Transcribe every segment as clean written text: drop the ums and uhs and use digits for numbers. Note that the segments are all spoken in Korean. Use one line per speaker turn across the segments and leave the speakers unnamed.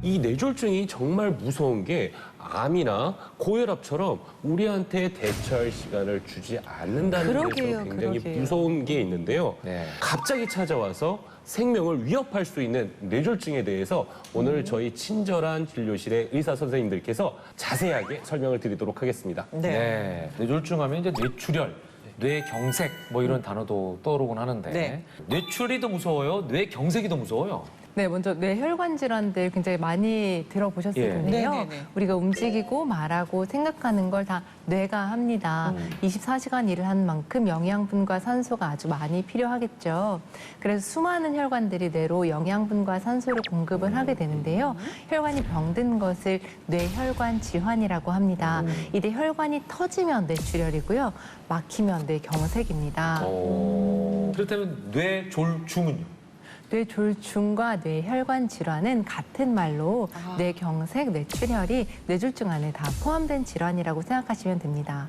이 뇌졸중이 정말 무서운 게 암이나 고혈압처럼 우리한테 대처할 시간을 주지 않는다는
그러게요,
데서 굉장히
그러게요.
무서운 게 있는데요.
네.
갑자기 찾아와서 생명을 위협할 수 있는 뇌졸중에 대해서 오늘 저희 친절한 진료실의 의사 선생님들께서 자세하게 설명을 드리도록 하겠습니다.
네. 뇌졸중하면 이제 뇌출혈, 뇌경색 뭐 이런 단어도 떠오르곤 하는데
네.
뇌출혈이 더 무서워요? 뇌경색이 더 무서워요?
네, 먼저 뇌혈관 질환들 굉장히 많이 들어보셨을
예.
텐데요.
네네네.
우리가 움직이고 말하고 생각하는 걸 다 뇌가 합니다. 24시간 일을 한 만큼 영양분과 산소가 아주 많이 필요하겠죠. 그래서 수많은 혈관들이 뇌로 영양분과 산소를 공급을 하게 되는데요. 혈관이 병든 것을 뇌혈관 질환이라고 합니다. 이 뇌혈관이 터지면 뇌출혈이고요. 막히면 뇌경색입니다.
그렇다면 뇌졸중은요?
뇌졸중과 뇌혈관 질환은 같은 말로 뇌경색, 뇌출혈이 뇌졸중 안에 다 포함된 질환이라고 생각하시면 됩니다.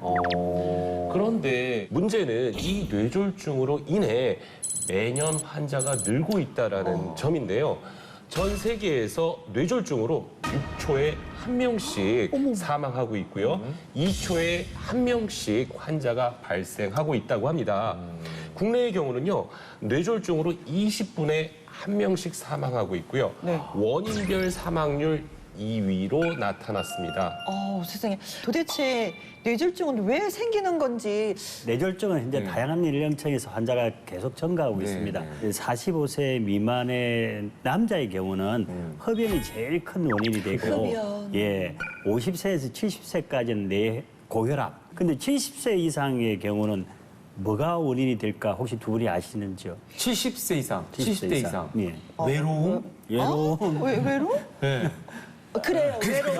그런데 문제는 이 뇌졸중으로 인해 매년 환자가 늘고 있다는 점인데요. 전 세계에서 뇌졸중으로 6초에 한 명씩 사망하고 있고요. 2초에 한 명씩 환자가 발생하고 있다고 합니다. 국내의 경우는요, 뇌졸중으로 20분에 한 명씩 사망하고 있고요.
네.
원인별 사망률 2위로 나타났습니다.
세상에. 도대체 뇌졸중은 왜 생기는 건지.
뇌졸중은 현재 다양한 연령층에서 환자가 계속 증가하고 있습니다. 45세 미만의 남자의 경우는 흡연이 제일 큰 원인이 되고,
흡연.
50세에서 70세까지는 뇌 고혈압. 근데 70세 이상의 경우는 뭐가 원인이 될까 혹시 두 분이 아시는지요?
70세 이상, 70대 이상.
예.
외로움?
외로움.
외로움?
네.
그래요, 외로움.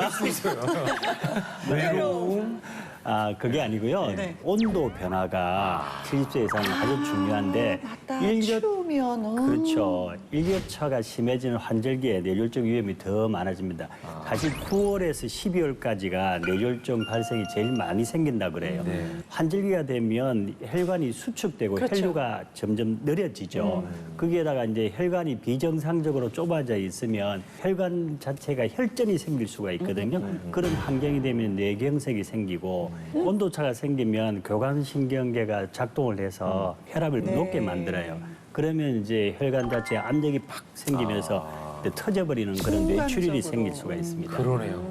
외로움?
그게 아니고요.
네.
온도 변화가 70세 이상은 아주 중요한데
맞다.
일교-
추우면.
그렇죠. 일교차가 심해지는 환절기에 뇌졸중 위험이 더 많아집니다. 사실 9월에서 12월까지가 뇌졸중 발생이 제일 많이 생긴다 그래요. 환절기가 되면 혈관이 수축되고
그렇죠.
혈류가 점점 느려지죠. 거기에다가 이제 혈관이 비정상적으로 좁아져 있으면 혈관 자체가 혈전이 생길 수가 있거든요. 그런 환경이 되면 뇌경색이 생기고 온도차가 생기면 교감신경계가 작동을 해서 혈압을 높게 만들어요. 그러면 이제 혈관 자체에 압력이 팍 생기면서 터져버리는 그런 뇌출혈이 생길 수가 있습니다.
그러네요.